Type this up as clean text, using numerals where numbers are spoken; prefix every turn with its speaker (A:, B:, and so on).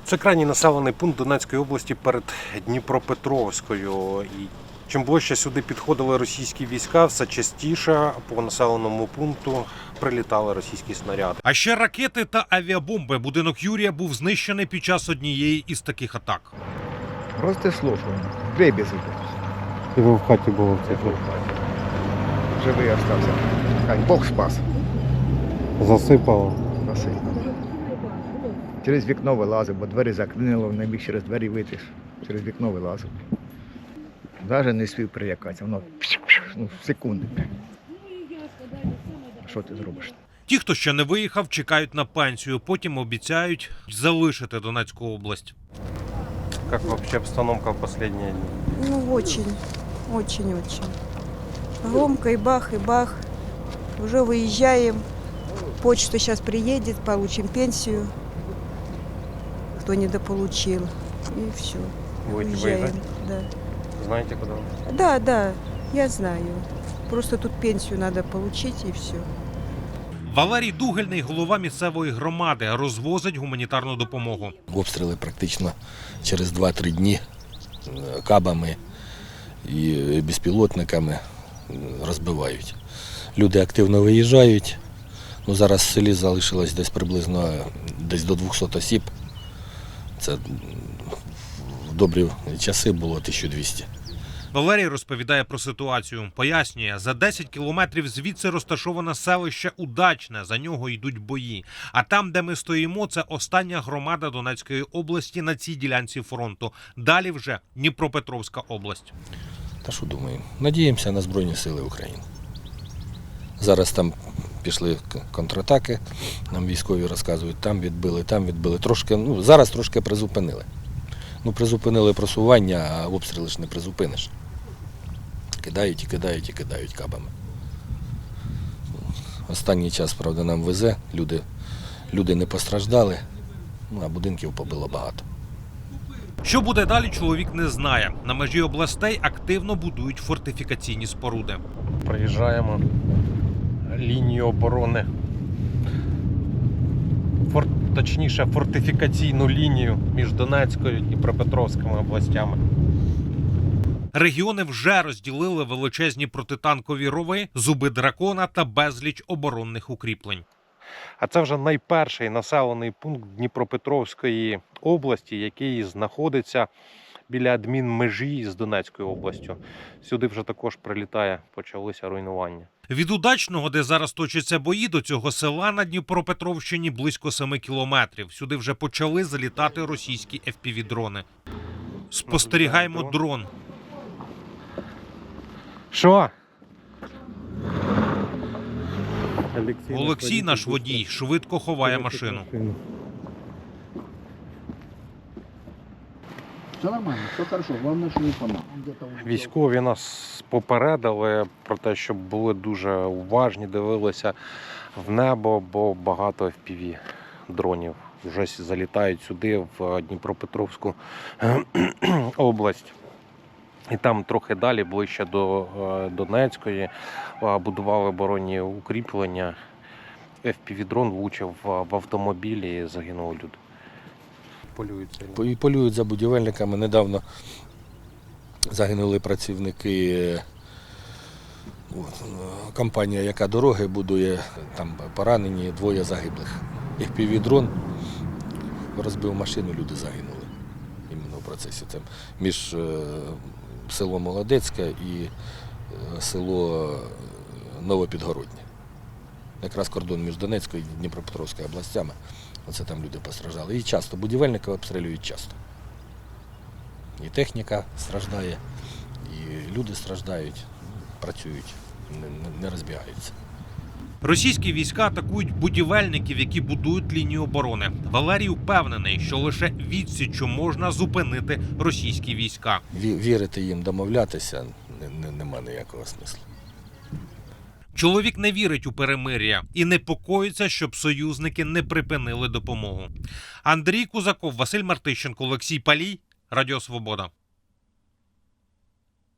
A: Це крайній населений пункт Донецької області перед Дніпропетровською. І чим ближче сюди підходили російські війська, все частіше по населеному пункту прилітали російські снаряди.
B: А ще ракети та авіабомби. Будинок Юрія був знищений під час однієї із таких атак.
C: Рознесло, що дребезги.
A: І ви в хаті були в цей
C: Живий остався. Хай Бог спас.
A: Засипало.
C: Спасибо. Через вікно вилазив, бо двері заклинило, не міг через двері вийти. Через вікно вилазив. Навіть не спів прилякатися, воно в секунди. Що ти зробиш?
B: Ті, хто ще не виїхав, чекають на пенсію. Потім обіцяють залишити Донецьку область.
A: Як взагалі обстановка в останні дні?
D: Ну, очень. Громко и бах. Уже выезжаем. Почта сейчас приедет, получим пенсию. Кто недополучил. И все.
A: Будете
D: Уезжаем.
A: воевать?
D: Да.
A: Знаєте, куди?
D: Да, я знаю. Просто тут пенсию надо получить и все.
B: Валерій Дугельний, голова місцевої громади, розвозить гуманітарну допомогу.
E: Обстріли практично через 2-3 дні кабами і безпілотниками розбивають. Люди активно виїжджають. Ну, зараз в селі залишилось десь приблизно до 200 осіб. Це в добрі часи було 1200.
B: Валерій розповідає про ситуацію. Пояснює, за 10 кілометрів звідси розташоване селище Удачне, за нього йдуть бої. А там, де ми стоїмо, це остання громада Донецької області на цій ділянці фронту. Далі вже Дніпропетровська область.
E: Та що думаємо? Надіємося на Збройні Сили України. Зараз там пішли контратаки, нам військові розказують, там відбили. Трошки, зараз трошки призупинили. Призупинили просування, а обстріли ж не призупиниш. Кидають кабами. Останній час, правда, нам везе, люди не постраждали, а будинків побило багато.
B: Що буде далі, чоловік не знає. На межі областей активно будують фортифікаційні споруди.
A: Проїжджаємо лінію оборони. Точніше, фортифікаційну лінію між Донецькою і Дніпропетровськими областями.
B: Регіони вже розділили величезні протитанкові рови, зуби дракона та безліч оборонних укріплень.
A: А це вже найперший населений пункт Дніпропетровської області, який знаходиться біля адмінмежі з Донецькою областю. Сюди вже також почалися руйнування.
B: Від Удачного, де зараз точаться бої, до цього села на Дніпропетровщині близько 7 кілометрів. Сюди вже почали залітати російські FPV-дрони. Спостерігаємо дрон.
A: Що?
B: Олексій, наш водій, швидко ховає машину.
F: Все нормально, все хорошо, главное, что не помог.
A: Військові нас попередили про те, щоб були дуже уважні, дивилися в небо, бо багато FPV-дронів вже залітають сюди, в Дніпропетровську область. І там трохи далі, ближче до Донецької, будували оборонні укріплення. FPV-дрон влучив в автомобілі і загинули люди.
E: Полюють за будівельниками. Недавно загинули працівники, компанія, яка дороги будує, там поранені, 2 загиблих. FPV-дрон розбив машину, люди загинули. Іменно в процесі. Це між село Молодецьке і село Новопідгороднє. Якраз кордон між Донецькою і Дніпропетровською областями. Оце там люди постраждали. І часто будівельники обстрілюють часто. І техніка страждає, і люди страждають, працюють, не розбігаються.
B: Російські війська атакують будівельників, які будують лінію оборони. Валерій впевнений, що лише відсіччю можна зупинити російські війська.
E: Вірити їм, домовлятися нема ніякого смислу.
B: Чоловік не вірить у перемир'я і непокоїться, щоб союзники не припинили допомогу. Андрій Кузаков, Василь Мартищенко, Олексій Палій, Радіо Свобода.